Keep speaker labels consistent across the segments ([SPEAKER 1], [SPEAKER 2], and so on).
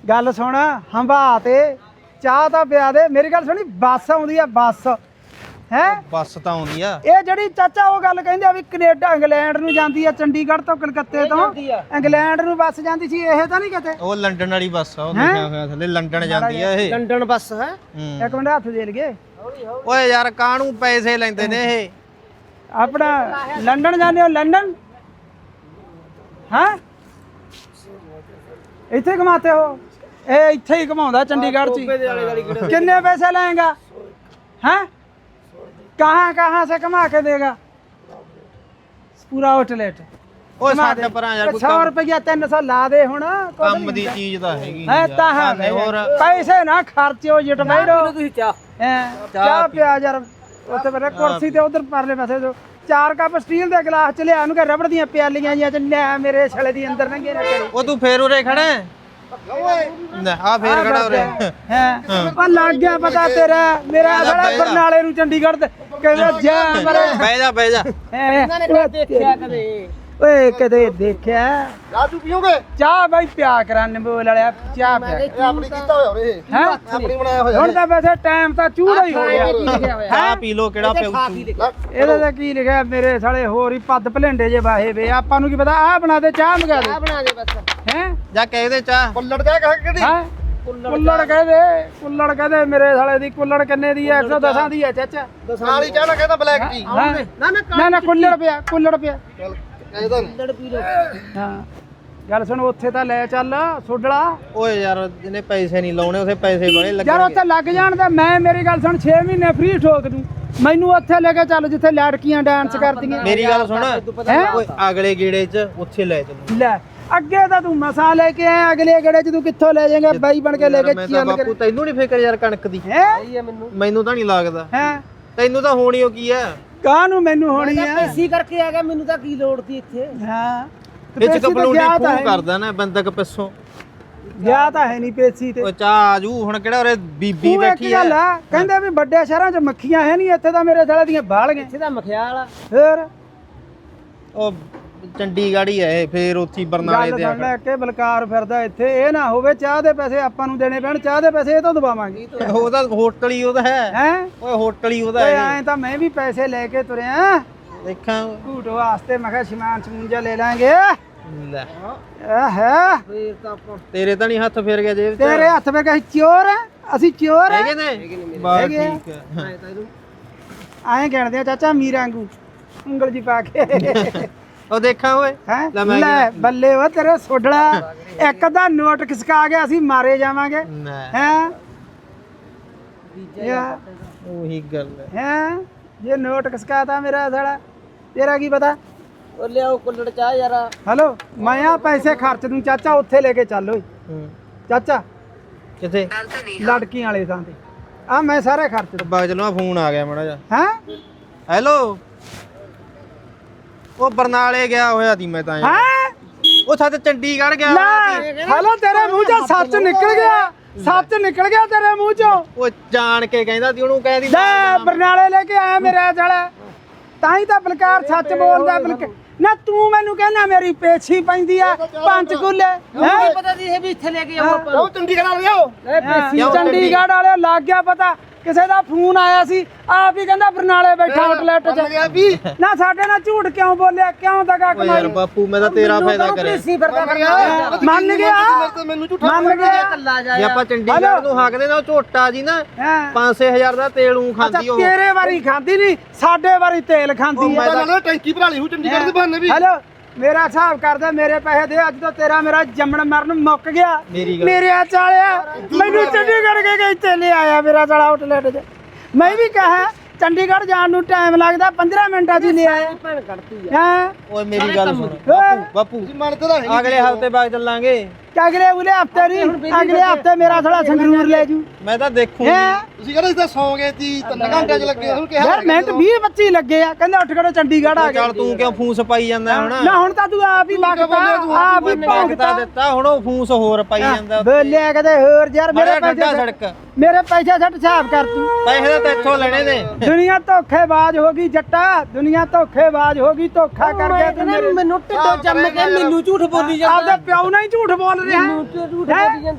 [SPEAKER 1] ਗੱਲ ਸੁਣ ਹੰਭਾ ਤੇ ਚਾਹ ਤਾਂ ਪਿਆ ਦੇ ਮੇਰੀ ਗੱਲ ਸੁਣੀ ਬੱਸ ਆਉਂਦੀ ਆ ਬੱਸ ਹੈ
[SPEAKER 2] ਬੱਸ ਤਾਂ ਆਉਂਦੀ ਆ
[SPEAKER 1] ਇਹ ਜਿਹੜੀ ਚਾਚਾ ਉਹ ਗੱਲ ਕਹਿੰਦੇ ਆ ਵੀ ਕੈਨੇਡਾ ਇੰਗਲੈਂਡ ਨੂੰ ਜਾਂਦੀ ਆ ਚੰਡੀਗੜ੍ਹ ਤੋਂ ਕਲਕੱਤੇ ਤੋਂ ਇੰਗਲੈਂਡ ਨੂੰ ਬੱਸ ਜਾਂਦੀ ਸੀ ਇਹ ਤਾਂ ਨਹੀਂ ਕਿਤੇ
[SPEAKER 2] ਉਹ ਲੰਡਨ ਵਾਲੀ ਬੱਸ ਆ ਉਹ ਲਿਖਿਆ ਹੋਇਆ ਥੱਲੇ ਲੰਡਨ ਜਾਂਦੀ ਆ ਇਹ
[SPEAKER 3] ਲੰਡਨ ਬੱਸ ਹੈ
[SPEAKER 1] ਇੱਕ ਮਿੰਟ ਹੱਥ ਦੇ ਲਈਏ
[SPEAKER 2] ਓਏ ਯਾਰ ਕਾਹਨੂੰ ਪੈਸੇ ਲੈਂਦੇ ਨੇ ਇਹ
[SPEAKER 1] ਆਪਣਾ ਲੰਡਨ ਜਾਂਦੇ ਹੋ ਲੰਡਨ ਹਾਂ ਇੱਥੇ ਘਮਾਤੇ ਹੋ ਇਹ ਇੱਥੇ ਹੀ ਘਮਾਉਂਦਾ ਚੰਡੀਗੜ੍ਹ ਚ ਹੀ। कितने पैसे लेगा हैं कहाँ कहाँ से कमा के देगा पूरा आउटलेट
[SPEAKER 2] ਓਏ ਛੱਡ ਪਰਾਂ ਯਾਰ ਕੋਈ
[SPEAKER 1] 100 रुपया 300 ला दे हुण
[SPEAKER 2] ਕੰਮ ਦੀ ਚੀਜ਼ ਤਾਂ ਹੈਗੀ
[SPEAKER 1] है ता है
[SPEAKER 2] ਹੋਰ
[SPEAKER 1] पैसे ना खर्चो जिट बैठो
[SPEAKER 3] ਤੁਸੀਂ ਚਾਹ
[SPEAKER 1] ਚਾਹ ਪਿਆ ਯਾਰ ਉੱਥੇ ਬਰੇ ਕੁਰਸੀ ਤੇ ਉਧਰ ਪਰਲੇ ਪਾਸੇ ਜੋ 4 ਕੱਪ ਸਟੀਲ ਦੇ ਗਲਾਸ ਚ ਲਿਆ ਨੂੰ ਕਿ ਰਬੜ ਦੀਆਂ ਪਿਆਲੀਆਂ ਜੀਆਂ ਚ ਲੈ ਮੇਰੇ ਛਲੇ ਦੀ ਅੰਦਰ ਲੰਘੇ ਨਾ ਕਰੀ
[SPEAKER 2] ਉਹ ਤੂੰ ਫੇਰ ਉਰੇ ਖੜਾ ਆ ਫੇਰ ਖੜਾ ਉਰੇ
[SPEAKER 1] ਹੈ ਉਹ ਲੱਗ ਗਿਆ ਪਤਾ ਤੇਰਾ ਮੇਰਾ ਸਾਲਾ ਬਰਨਾਲੇ ਨੂੰ ਚੰਡੀਗੜ੍ਹ ਤੇ ਕਹਿੰਦਾ ਜਾ ਮਰੇ
[SPEAKER 2] ਬਹਿ ਜਾ
[SPEAKER 3] ਇਹਨਾਂ ਨੇ ਦੇਖਿਆ ਕਦੇ
[SPEAKER 1] ਓਏ ਕਦੇ ਦੇਖਿਆ
[SPEAKER 4] ਚਾਹ ਤੂੰ ਪੀਓਗੇ
[SPEAKER 1] ਚਾਹ ਬਈ ਪਿਆ ਕਰਾਂ ਨਿੰਬੂ ਵਾਲਿਆ ਚਾਹ ਪਿਆ
[SPEAKER 4] ਇਹ ਆਪਣੀ ਕੀਤਾ ਹੋਇਆ ਵੀਰੇ
[SPEAKER 1] ਹੈ
[SPEAKER 4] ਆਪਣੀ ਬਣਾਇਆ ਹੋਇਆ
[SPEAKER 1] ਹੁਣ ਤਾਂ ਵੈਸੇ ਟਾਈਮ ਤਾਂ ਚੂੜਾ ਹੀ ਹੋ ਗਿਆ
[SPEAKER 2] ਚਾਹ ਪੀ ਲੋ ਕਿਹੜਾ ਪਿਉ
[SPEAKER 1] ਇਹਦੇ ਤੇ ਕੀ ਲਿਖਿਆ ਮੇਰੇ ਸਾਲੇ ਹੋਰ ਹੀ ਪੱਦ ਭਲੇਂਡੇ ਜੇ ਵਾਹੇ ਵੇ ਆਪਾਂ ਨੂੰ ਕੀ ਪਤਾ ਆਹ ਬਣਾ ਦੇ ਚਾਹ ਮੰਗਾ ਦੇ
[SPEAKER 3] ਬਣਾ ਦੇ ਬਸ
[SPEAKER 1] ਹੈ
[SPEAKER 2] ਜਾ ਕਹਿ ਦੇ ਚਾਹ
[SPEAKER 4] ਕੁੱਲੜ ਕਹਿ ਕਿਹੜੀ
[SPEAKER 1] ਹੈ ਕੁੱਲੜ ਕਹਦੇ ਮੇਰੇ ਸਾਲੇ ਦੀ ਕੁੱਲੜ ਕਿੰਨੇ ਦੀ ਹੈ 110 ਦੀ ਹੈ ਚਾਚਾ
[SPEAKER 4] ਨਾਲ ਹੀ ਕਹਿਣਾ ਕਹਿੰਦਾ ਬਲੈਕ ਟੀ
[SPEAKER 1] ਨਾ ਕੁੱਲੜ ਪਿਆ
[SPEAKER 4] ਚੱਲ ਕਹਿੰਦਾ
[SPEAKER 3] ਲੜ ਪੀ ਲੋ
[SPEAKER 1] ਹਾਂ ਗੱਲ ਸੁਣ ਉੱਥੇ ਤਾਂ ਲੈ ਚੱਲ ਸੋਡਲਾ
[SPEAKER 2] ਓਏ ਯਾਰ ਜਿਹਨੇ ਪੈਸੇ ਨਹੀਂ ਲਾਉਣੇ ਉਥੇ ਪੈਸੇ ਬੜੇ
[SPEAKER 1] ਯਾਰ
[SPEAKER 2] ਲੱਗਣਗੇ
[SPEAKER 1] ਉੱਥੇ ਲੱਗ ਜਾਣ ਤੇ ਮੈਂ ਮੇਰੀ ਗੱਲ ਸੁਣ 6 ਮਹੀਨੇ ਫ੍ਰੀ ਠੋਕ ਦੂੰ ਮੈਨੂੰ ਉੱਥੇ ਲੈ ਕੇ ਚੱਲ ਜਿੱਥੇ ਲੜਕੀਆਂ ਡਾਂਸ ਕਰਦੀਆਂ
[SPEAKER 2] ਮੇਰੀ ਗੱਲ ਸੁਣ
[SPEAKER 1] ਹੈਂ?
[SPEAKER 2] ਓਏ ਅਗਲੇ ਗੇੜੇ 'ਚ ਉੱਥੇ ਲੈ ਚੱਲੂ
[SPEAKER 1] ਲੈ ਅੱਗੇ ਤਾਂ ਤੂੰ ਮਸਾ ਲੈ ਕੇ ਆਇਆ ਅਗਲੇ ਗੇੜੇ ਚ ਤੂੰ ਕਿੱਥੋਂ ਲੈ ਜਾਏਗਾ ਬਾਈ ਬਣ ਕੇ ਲੈ ਕੇ
[SPEAKER 2] ਮੈਂ ਤਾਂ
[SPEAKER 1] ਚੱਲ
[SPEAKER 2] ਬਾਪੂ ਤੈਨੂੰ ਨਹੀਂ ਫਿਕਰ ਯਾਰ ਕਣਕ ਦੀ
[SPEAKER 1] ਹੈ
[SPEAKER 2] ਮੈਨੂੰ ਤਾਂ ਨਹੀਂ ਲੱਗਦਾ
[SPEAKER 1] ਹੈ
[SPEAKER 2] ਤੈਨੂੰ ਤਾਂ ਹੋਣੀ ਓ ਕੀ ਆ
[SPEAKER 1] ਕਾਹਨੂੰ ਮੈਨੂੰ ਹੋਣੀ ਹੈ
[SPEAKER 3] ਪੈਸੀ ਕਰਕੇ ਆ ਗਿਆ ਮੈਨੂੰ ਤਾਂ ਕੀ ਲੋੜ ਸੀ ਇੱਥੇ
[SPEAKER 1] ਹਾਂ
[SPEAKER 2] ਵਿੱਚ ਕਪਲੂਣੀ ਫੋਨ ਕਰਦਾ ਨਾ ਬੰਦਕ ਪਿੱਛੋਂ
[SPEAKER 1] ਗਿਆ ਤਾਂ ਹੈ ਨਹੀਂ ਪੇਸੀ ਤੇ
[SPEAKER 2] ਓ ਚਾਹ ਆਜੂ ਹੁਣ ਕਿਹੜਾ ਉਰੇ ਬੀਬੀ
[SPEAKER 1] ਤੂੰ ਇੱਕ
[SPEAKER 2] ਬੈਠੀ ਆ
[SPEAKER 1] ਗੱਲ ਆ ਕਹਿੰਦੇ ਵੀ ਵੱਡੇ ਸ਼ਹਿਰਾਂ 'ਚ ਮੱਖੀਆਂ ਹੈ ਨਹੀਂ ਇੱਥੇ ਤਾਂ ਮੇਰੇ ਸਾਲੇ ਦੀਆਂ ਬਾਲ ਗਏ
[SPEAKER 3] ਇੱਥੇ ਤਾਂ ਮਖਿਆਲ ਆ
[SPEAKER 1] ਫੇਰ
[SPEAKER 2] ਉਹ ਚੰਡੀਗੜ੍ਹ ਹੀ ਆ ਇਹ ਫੇਰ ਉੱਥੀ ਬਰਨਾਲੇ
[SPEAKER 1] ਗੱਲ
[SPEAKER 2] ਤੇ
[SPEAKER 1] ਸੁਣ ਲੈ ਕਿ ਬਲਕਾਰ ਫਿਰਦਾ ਇੱਥੇ ਇਹ ਨਾ ਹੋਵੇ ਚਾਹ ਦੇ ਪੈਸੇ ਆਪਾਂ ਨੂੰ ਦੇਣੇ ਪੈਣ ਚਾਹ ਦੇ ਪੈਸੇ ਇਹ ਤੋਂ ਦਬਾਵਾਂਗੇ
[SPEAKER 2] ਉਹਦਾ ਹੋਟਲ ਹੀ ਉਹਦਾ ਹੈ
[SPEAKER 1] ਹੈ
[SPEAKER 2] ਓਏ ਹੋਟਲ ਹੀ ਉਹਦਾ
[SPEAKER 1] ਓਏ
[SPEAKER 2] ਹੈ
[SPEAKER 1] ਐਂ ਤਾਂ ਮੈਂ ਵੀ ਪੈਸੇ ਲੈ ਕੇ ਤੁਰਿਆ
[SPEAKER 2] ਦੇਖਾਂ
[SPEAKER 1] ਝੂਟ ਵਾਸਤੇ ਮੈਂ ਕਿਹਾ ਸਮਾਨ ਸਮੂੰਜਾ ਲੈ ਲਾਂਗੇ
[SPEAKER 2] ਲੈ
[SPEAKER 1] ਹੈ
[SPEAKER 3] ਫੇਰ ਤਾਂ ਆਪਾਂ
[SPEAKER 2] ਤੇਰੇ ਤਾਂ ਨਹੀਂ ਹੱਥ ਫੇਰ ਗਿਆ ਜੇਬ 'ਚ
[SPEAKER 1] ਤੇਰੇ ਹੱਥ ਵਿੱਚ ਅਸੀਂ ਚੋਰ ਆ ਅਸੀਂ ਚੋਰ ਆ
[SPEAKER 2] ਹੈਗੇ ਨੇ ਬਸ
[SPEAKER 1] ਹੈਗੇ ਆ।
[SPEAKER 2] ਠੀਕ ਹੈ
[SPEAKER 1] ਐਂ ਕਹਿਣਦੇ ਆ ਚਾਚਾ ਮੀਰਾਂ ਵਾਂਗੂ ਉਂਗਲ ਜੀ ਪਾ ਕੇ
[SPEAKER 2] ਉਹ ਦੇਖਾਂ ਓਏ
[SPEAKER 1] ਹੈ
[SPEAKER 2] ਲੈ ਮੈਂ
[SPEAKER 1] ਲੈ ਬੱਲੇ ਵਾ ਤੇਰੇ ਸੋਡਲਾ ਇੱਕ ਦਾ ਨੋਟ ਖਿਸਕਾ ਗਿਆ ਅਸੀਂ ਮਾਰੇ ਜਾਵਾਂਗੇ
[SPEAKER 2] ਨਾ
[SPEAKER 1] ਹੈ ਯਾ
[SPEAKER 2] ਉਹੀ ਗੱਲ ਹੈ
[SPEAKER 1] ਹੈ ਜੇ ਨੋਟ ਖਿਸਕਾਤਾ ਮੇਰਾ ਸਾਲਾ ਤੇਰਾ ਕੀ ਪਤਾ
[SPEAKER 3] ਉਹ ਲਿਆਓ ਕੁੱਲੜ ਚਾਹ ਯਾਰ
[SPEAKER 1] ਹਲੋ ਮੈਂ ਆ ਪੈਸੇ ਖਰਚ ਦੂੰ ਚਾਚਾ ਉੱਥੇ ਲੈ ਕੇ ਚੱਲ ਓਏ
[SPEAKER 2] ਹੂੰ।
[SPEAKER 1] ਚਾਚਾ
[SPEAKER 2] ਕਿੱਥੇ
[SPEAKER 1] ਲੜਕੀਆਂ ਵਾਲੇ ਥਾਂ ਤੇ ਆ ਮੈਂ ਸਾਰੇ ਖਰਚ ਦੂੰ
[SPEAKER 2] ਬਾਗ ਚਲੋ ਫੋਨ ਆ ਗਿਆ ਮਾੜਾ ਜਿਹਾ
[SPEAKER 1] ਹੈ
[SPEAKER 2] ਹੈਲੋ ਉਹ ਬਰਨਾਲੇ ਗਿਆ ਹੋਇਆ ਸੀ ਮੈਂ ਤਾਂ ਯਾਰ।
[SPEAKER 1] ਹੈ
[SPEAKER 2] ਉਹ ਸੱਚ ਚੰਡੀਗੜ੍ਹ ਗਿਆ ਹੋਇਆ ਸੀ।
[SPEAKER 1] ਲੈ ਹਲੋ ਤੇਰੇ ਮੂੰਹ ਚੋਂ ਸੱਚ ਨਿਕਲ ਗਿਆ ਸੱਚ ਨਿਕਲ ਗਿਆ ਤੇਰੇ ਮੂੰਹ ਚੋਂ
[SPEAKER 2] ਉਹ ਜਾਣ ਕੇ ਕਹਿੰਦਾ ਸੀ ਉਹਨੂੰ ਕਹਿੰਦੀ
[SPEAKER 1] ਲੈ ਬਰਨਾਲੇ ਲੈ ਕੇ ਆਇਆ ਮੇਰੇ ਸਾਲਾ ਤਾਂ ਹੀ ਤਾਂ ਬਲਕਾਰ ਸੱਚ ਬੋਲਦਾ ਬਲਕਾਰ ਨਾ ਤੂੰ ਮੈਨੂੰ ਕਹਿੰਦਾ ਮੇਰੀ ਪੇਛੀ ਪੈਂਦੀ ਆ ਪੰਚਕੂਲੇ ਹੈ
[SPEAKER 3] ਪਤਾ ਸੀ ਇਹ ਵੀ ਇੱਥੇ ਲੈ ਕੇ ਆਓ ਆਪਾਂ
[SPEAKER 4] ਉਹ ਚੰਡੀਗੜ੍ਹ ਆ ਲਿਓ
[SPEAKER 1] ਚੰਡੀਗੜ੍ਹ ਵਾਲੇ ਲੱਗ ਗਿਆ ਪਤਾ ਕਿਸੇ ਦਾ ਫੋਨ ਆਇਆ ਸੀ ਆਪ ਹੀ ਕਹਿੰਦਾ ਬਰਨਾਲੇ ਬੈਠਾ ਆਊਟਲੈਟ 'ਚ
[SPEAKER 4] ਗਿਆ ਵੀ
[SPEAKER 1] ਨਾ ਸਾਡੇ ਨਾਲ ਝੂਠ ਕਿਉਂ ਬੋਲਿਆ ਕਿਉਂ ਦਗਾ
[SPEAKER 2] ਓ ਯਾਰ
[SPEAKER 1] ਕਮਾਈ
[SPEAKER 2] ਬਾਪੂ ਮੈਂ ਤਾਂ ਤੇਰਾ ਫਾਇਦਾ ਕਰਿਆ
[SPEAKER 3] ਪੈਸੀ ਫਿਰਦਾ
[SPEAKER 1] ਮੰਨ ਗਿਆ
[SPEAKER 4] ਮੈਨੂੰ ਝੂਠਾ
[SPEAKER 1] ਮੰਨ ਗਿਆ
[SPEAKER 3] ਕੱਲਾ ਜਾ
[SPEAKER 2] ਜੇ ਆਪਾਂ ਚੰਡੀਗੜ੍ਹ ਨੂੰ ਹਾਕਦੇ ਨਾ ਉਹ ਝੋਟਾ ਜੀ ਨਾ
[SPEAKER 1] ਹਾਂ
[SPEAKER 2] 5-6000 ਦਾ ਤੇਲ ਨੂੰ
[SPEAKER 1] ਅੱਛਾ
[SPEAKER 2] ਖਾਂਦੀ ਉਹ
[SPEAKER 1] ਤੇਰੇ ਵਾਰੀ ਖਾਂਦੀ ਨਹੀਂ ਸਾਡੇ ਵਾਰੀ ਤੇਲ ਖਾਂਦੀ ਹੈ
[SPEAKER 4] ਪਤਾ ਨਾ ਟੈਂਕੀ ਭਰਾ ਲਈ ਹੂੰ ਚੰਡੀਗੜ੍ਹ ਦੇ ਬਹਾਨੇ ਵੀ
[SPEAKER 1] ਹੈਲੋ ਮੇਰਾ ਹਿਸਾਬ ਕਰਦਾ ਮੇਰੇ ਪੈਸੇ ਦੇ ਅੱਜ ਤੋਂ ਤੇਰਾ ਮੇਰਾ ਜੰਮਣ ਮਰਨ ਮੁੱਕ ਗਿਆ
[SPEAKER 2] ਮੇਰੀ ਗੱਲ
[SPEAKER 1] ਮੇਰੇ ਆ ਚਾਲਿਆ ਮੈਨੂੰ ਚੰਡੀਗੜ੍ਹ ਕੇ ਇੱਥੇ ਲੈ ਆਇਆ ਮੇਰਾ ਸਾਲਾ ਆਊਟਲੈਟ 'ਚ ਮੈਂ ਵੀ ਕਹਾ ਚੰਡੀਗੜ੍ਹ ਜਾਣ ਨੂੰ ਟਾਈਮ ਲੱਗਦਾ 15 ਮਿੰਟਾਂ 'ਚ ਹੀ ਲੈ ਆਇਆ
[SPEAKER 3] ਭੈਣ ਕੱਢਤੀ
[SPEAKER 1] ਹਾਂ
[SPEAKER 2] ਓਏ ਮੇਰੀ ਗੱਲ ਸੁਣ
[SPEAKER 1] ਓਏ,
[SPEAKER 2] ਬਾਪੂ
[SPEAKER 4] ਮੰਨਦੇ ਤਾਂ ਹੈ
[SPEAKER 2] ਅਗਲੇ ਹਫਤੇ ਬਾਅਦ ਚੱਲਾਂਗੇ
[SPEAKER 1] ਅਗਲੇ ਉਲੇ ਹਫਤੇ ਨਹੀਂ ਅਗਲੇ ਹਫਤੇ ਮੇਰਾ ਸਾਲਾ ਸੰਗਰੂਰ ਲੈ ਜੂ
[SPEAKER 2] ਮੈਂ ਤਾਂ ਦੇਖੂ
[SPEAKER 1] ਹੈ
[SPEAKER 4] ਤੁਸੀਂ ਕਹਿੰਦੇ ਇਸ ਤਾਂ ਸੌ ਗਏ ਸੀ 3 ਘੰਟੇ ਚ ਲੱਗੇ ਉਹਨੂੰ ਕਿਹਾ
[SPEAKER 1] ਯਾਰ ਮਿੰਟ 20-25 ਲੱਗੇ ਆ ਕਹਿੰਦੇ ਉੱਠ ਖੜੋ ਚੰਡੀਗੜ੍ਹ ਆ
[SPEAKER 2] ਚੱਲ
[SPEAKER 1] ਗਏ
[SPEAKER 2] ਤੂੰ ਕਿਉਂ ਫੂਸ ਪਾਈ ਜਾਂਦਾ ਹੁਣ
[SPEAKER 1] ਨਾ ਹੁਣ ਤਾਂ ਤੂੰ ਆਪ ਹੀ ਮੰਗਦਾ ਆਪ ਹੀ
[SPEAKER 2] ਮੰਗਤਾ
[SPEAKER 1] ਭੌਂਕਦਾ
[SPEAKER 2] ਦਿੱਤਾ ਹੁਣ ਉਹ ਫੂਸ ਹੋਰ ਪਾਈ ਜਾਂਦਾ
[SPEAKER 1] ਬੋਲਿਆ ਕਦੇ ਹੋਰ ਯਾਰ ਮੇਰੇ
[SPEAKER 2] ਮੇਰੇ ਠੰਡਾ
[SPEAKER 1] ਪੈਸੇ
[SPEAKER 2] ਸੜਕ
[SPEAKER 1] ਮੇਰੇ ਪੈਸੇ ਛੱਡ ਹਿਸਾਬ ਕਰ ਤੂੰ
[SPEAKER 2] ਪੈਸੇ ਤਾਂ ਤੇਥੋਂ ਲੈਣੇ ਨੇ
[SPEAKER 1] ਦੁਨੀਆ ਧੋਖੇਬਾਜ਼ ਹੋ ਗਈ ਜੱਟਾ ਦੁਨੀਆ ਧੋਖੇਬਾਜ਼ ਹੋ ਗਈ ਧੋਖਾ ਕਰ ਗਿਆ ਤੂੰ ਮੇਰੇ
[SPEAKER 3] ਮੈਨੂੰ ਢਿੱਡੋਂ ਜੰਮ ਕੇ ਮੈਨੂੰ ਝੂਠ ਬੋਲੀ ਜਾਂਦਾ
[SPEAKER 1] ਆਪਦੇ ਪਿਓ ਨਾਲ ਹੀ ਝੂਠ ਬੋਲ ਰਿਹਾ
[SPEAKER 3] ਮੈਨੂੰ ਝੂਠ ਬੋਲੀ ਜਾਂਦਾ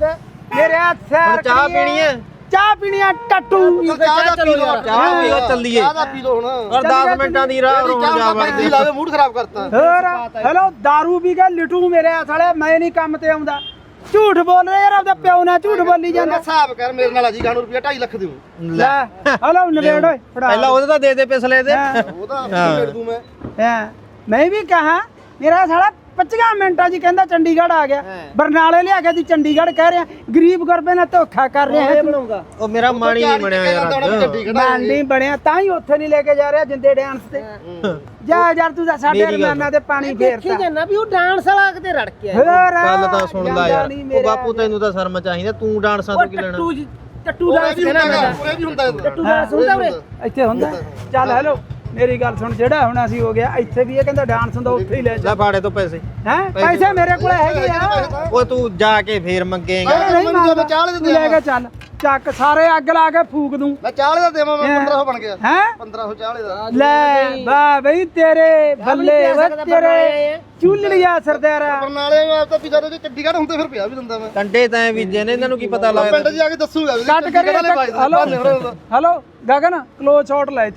[SPEAKER 1] ਮੇਰੇ ਆ ਸੈਰ
[SPEAKER 2] ਚਾਹ
[SPEAKER 1] ਕਰੀਏ।
[SPEAKER 2] ਪੀਣੀ ਹੈ?
[SPEAKER 1] ਚਾਹ ਪੀਣੀ ਆ ਟੱਟੂ
[SPEAKER 4] ਚਾਹ ਦਾ ਪੀ ਲਓ
[SPEAKER 2] ਚਾਹ ਪੀਓ ਚੱਲੀਏ
[SPEAKER 4] ਚਾਹ ਦਾ ਪੀ ਲਓ ਹੁਣ
[SPEAKER 2] ਔਰ 10 ਮਿੰਟਾਂ ਦੀ ਰਾਹ ਰੋਣ
[SPEAKER 4] ਚਾਹ
[SPEAKER 2] ਜਾ
[SPEAKER 4] ਦਾ
[SPEAKER 2] ਵੜਦੇ
[SPEAKER 4] ਪੈਂਦੀ ਲਾਵੇ ਮੂਡ ਖਰਾਬ ਕਰਤਾ
[SPEAKER 1] ਹੋਰ ਹੈਲੋ दारू ਵੀ ਕੇ ਲਿਟੂ ਮੇਰੇ ਆ ਸਾਲੇ ਮੈਂ ਨਹੀਂ ਕੰਮ ਤੇ ਆਉਂਦਾ ਝੂਠ ਬੋਲ ਰਿਹਾ ਯਾਰ ਆਪਦਾ ਪਿਓ ਨਾਲ ਝੂਠ ਬੋਲੀ ਜਾਂਦਾ
[SPEAKER 4] ਹਿਸਾਬ ਕਰ ਮੇਰੇ ਨਾਲ ਅਜੀ ਗਾਣੂ ਰੁਪਿਆ 2.5 ਲੱਖ ਦਿਓ
[SPEAKER 1] ਲੈ ਹਲੋ ਨਵੇੜ ਓਏ ਫੜਾ
[SPEAKER 2] ਪਹਿਲਾਂ ਉਹਦੇ ਤਾਂ ਦੇ ਦੇ ਪਿਛਲੇ ਦੇ
[SPEAKER 4] ਉਹਦਾ ਮੇੜ ਦੂੰ ਮੈਂ
[SPEAKER 1] ਹਾਂ ਮੈਂ ਵੀ ਕਹਾ ਮੇਰਾ ਸਾਲਾ 25 ਮਿੰਟਾਂ 'ਚ ਕਹਿੰਦਾ ਚੰਡੀਗੜ੍ਹ ਆ ਗਿਆ ਬਰਨਾਲੇ ਲਿਆ ਕੇ ਦੀ ਚੰਡੀਗੜ੍ਹ ਕਹਿ ਰਿਹਾ ਗਰੀਬ ਗੁਰਬੇ ਨਾਲ ਧੋਖਾ ਕਰ ਰਿਹਾ ਹੈ
[SPEAKER 3] ਬਣਾਉਂਗਾ
[SPEAKER 2] ਉਹ ਮੇਰਾ ਮਾਣੀ ਨਹੀਂ ਬਣਿਆ ਯਾਰ
[SPEAKER 1] ਮੈਂ ਨਹੀਂ ਬਣਿਆ ਤਾਂ ਹੀ ਉੱਥੇ ਨਹੀਂ ਲੈ ਕੇ ਜਾ ਰਿਹਾ ਜਿੰਦੇ ਡਾਂਸ ਤੇ ਜਾ ਯਾਰ ਤੂੰ ਤਾਂ ਸਾਡੇ ਰਮਾਨਾ ਤੇ ਪਾਣੀ
[SPEAKER 3] ਦੇਖੀ
[SPEAKER 1] ਫੇਰਤਾ
[SPEAKER 3] ਜਾਂਦਾ ਵੀ ਉਹ ਡਾਂਸ ਵਾਲਾ ਕਿਤੇ ਰੜ ਕੇ ਆਇਆ
[SPEAKER 1] ਹੋਰ
[SPEAKER 2] ਗੱਲ ਤਾਂ ਸੁਣ ਲੈ
[SPEAKER 1] ਜਾਂਦਾ
[SPEAKER 2] ਯਾਰ
[SPEAKER 1] ਨਹੀਂ
[SPEAKER 2] ਉਹ
[SPEAKER 1] ਮੇਰਾ
[SPEAKER 2] ਬਾਪੂ ਤੈਨੂੰ ਤਾਂ ਸ਼ਰਮ ਚਾਹੀਦਾ ਤੂੰ ਡਾਂਸਾਂ ਤੋਂ ਕੀ ਲੈਣਾ
[SPEAKER 3] ਟੱਟੂ ਡਾਂਸ ਦੇਣਾ ਮੈਂ
[SPEAKER 4] ਪੂਰੇ ਵੀ ਹੁੰਦਾ
[SPEAKER 3] ਟੱਟੂ ਡਾਂਸ ਹੁੰਦਾ ਉਰੇ
[SPEAKER 1] ਇੱਥੇ ਹੁੰਦਾ ਚੱਲ ਹੈਲੋ ਮੇਰੀ ਗੱਲ ਸੁਣ ਜਿਹੜਾ ਹੁਣ ਅਸੀਂ ਹੋ ਗਿਆ ਇੱਥੇ ਵੀ ਇਹ ਕਹਿੰਦਾ ਡਾਂਸ ਹੁੰਦਾ ਉੱਥੇ ਹੀ ਲੈ ਜਾ
[SPEAKER 2] ਲੈ ਫਾੜੇ ਤੋਂ ਪੈਸੇ
[SPEAKER 1] ਹੈ ਪੈਸੇ ਮੇਰੇ ਕੋਲ ਹੈਗੇ ਆ
[SPEAKER 2] ਉਹ ਤੂੰ ਜਾ ਕੇ ਫੇਰ ਮੰਗੇਗਾ
[SPEAKER 1] ਨਹੀਂ
[SPEAKER 4] ਮੈਨੂੰ
[SPEAKER 1] ਮੰਗਦਾ
[SPEAKER 4] ਚਾਹ ਵਾਲੇ
[SPEAKER 1] ਤੂੰ ਲੈ ਕੇ ਚੱਲ ਚੱਕ ਸਾਰੇ ਅੱਗ ਲਾ ਕੇ ਫੂਕ ਦੂੰ
[SPEAKER 4] ਮੈਂ ਚਾਹ ਵਾਲੇ ਦਾ ਦੇਵਾਂ ਮੈਂ 1500 ਬਣ ਗਿਆ
[SPEAKER 1] ਹੈ
[SPEAKER 4] 1500 ਚਾਹ ਵਾਲੇ ਦਾ
[SPEAKER 1] ਲੈ ਵਾਹ ਬਈ ਤੇਰੇ ਬੱਲੇ ਵੇ ਤੇਰੇ ਚੁੱਲੜੀਆ ਸਰਦਾਰਾ
[SPEAKER 4] ਬਰਨਾਲੇ ਮੈਂ ਤਾਂ ਪਿਛਾ ਦੇ ਚੰਡੀਗੜ੍ਹ ਹੁੰਦੇ ਫਿਰ ਪਿਆ ਵੀ ਦਿੰਦਾ ਮੈਂ
[SPEAKER 2] ਕੰਡੇ ਤਾਂ ਬੀਜੇ ਨੇ ਇਹਨਾਂ ਨੂੰ ਕੀ ਪਤਾ
[SPEAKER 4] ਪਿੰਡ
[SPEAKER 2] ਲੱਗਦਾ
[SPEAKER 4] 'ਚ ਜਾ ਕੇ ਦੱਸੂਗਾ ਵੀ
[SPEAKER 1] ਕੱਟ ਕਰੀ
[SPEAKER 4] ਚੰਡੀਗੜ੍ਹ ਵਾਲੇ
[SPEAKER 1] hello hello Gagan close shot ਲੈ